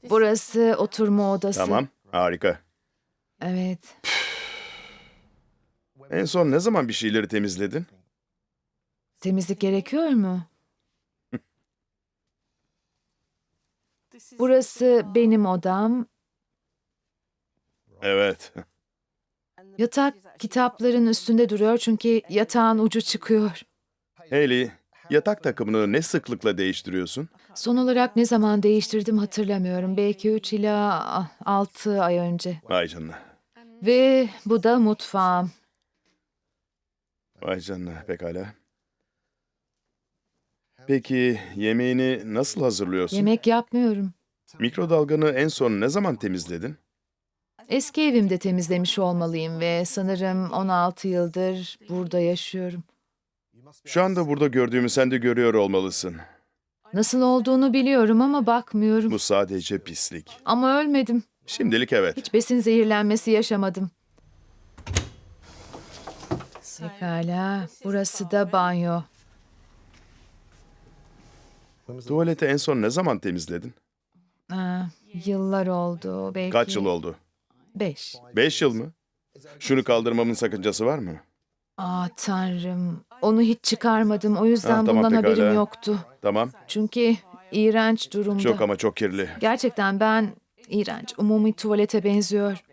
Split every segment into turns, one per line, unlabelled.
Burası oturma odası.
Tamam, harika.
Evet.
En son ne zaman bir şeyleri temizledin?
Temizlik gerekiyor mu? Burası benim odam.
Evet.
Yatak kitapların üstünde duruyor çünkü yatağın ucu çıkıyor.
Hayley, yatak takımını ne sıklıkla değiştiriyorsun?
Son olarak ne zaman değiştirdim hatırlamıyorum. Belki 3 ila 6 ay önce.
Vay canına.
Ve bu da mutfağım.
Vay canına, pekala. Peki yemeğini nasıl hazırlıyorsun?
Yemek yapmıyorum.
Mikrodalganı en son ne zaman temizledin?
Eski evimde temizlemiş olmalıyım ve sanırım 16 yıldır burada yaşıyorum.
Şu anda burada gördüğümü sen de görüyor olmalısın.
Nasıl olduğunu biliyorum ama bakmıyorum.
Bu sadece pislik.
Ama ölmedim.
Şimdilik evet.
Hiç besin zehirlenmesi yaşamadım. Pekala, burası da banyo.
Tuvaleti en son ne zaman temizledin?
Aa, yıllar oldu, belki
Kaç yıl oldu?
5.
5 yıl mı? Şunu kaldırmamın sakıncası var mı?
Tanrım, onu hiç çıkarmadım. O yüzden
Tamam,
bundan haberim
pekala.
yoktu.
Tamam.
Çünkü iğrenç durumda.
Çok ama çok kirli.
Gerçekten ben iğrenç, umumi tuvalete benziyor.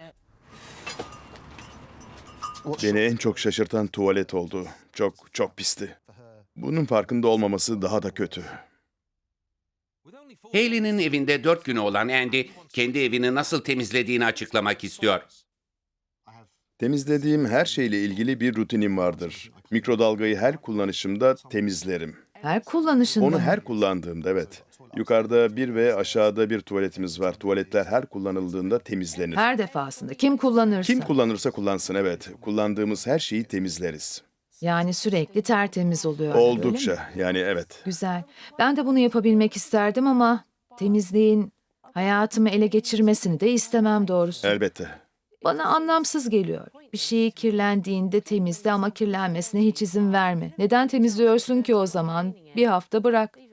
Beni en çok şaşırtan tuvalet oldu. Çok çok pisti. Bunun farkında olmaması daha da kötü.
Hayley'nin evinde 4 günü olan Andy, kendi evini nasıl temizlediğini açıklamak istiyor.
Temizlediğim her şeyle ilgili bir rutinim vardır. Mikrodalgayı her kullanışımda temizlerim.
Her kullanışında
Onu
mı?
her kullandığımda evet. Yukarıda bir ve aşağıda bir tuvaletimiz var. Tuvaletler her kullanıldığında temizlenir.
Her defasında. Kim kullanırsa.
Kim kullanırsa kullansın evet. Kullandığımız her şeyi temizleriz.
Yani sürekli tertemiz oluyor. öyle mi?
Oldukça yani evet.
Güzel. Ben de bunu yapabilmek isterdim ama temizliğin hayatımı ele geçirmesini de istemem doğrusu.
Elbette.
Bana anlamsız geliyor. Bir şey kirlendiğinde temizle ama kirlenmesine hiç izin verme. Neden temizliyorsun ki o zaman? Bir hafta bırak.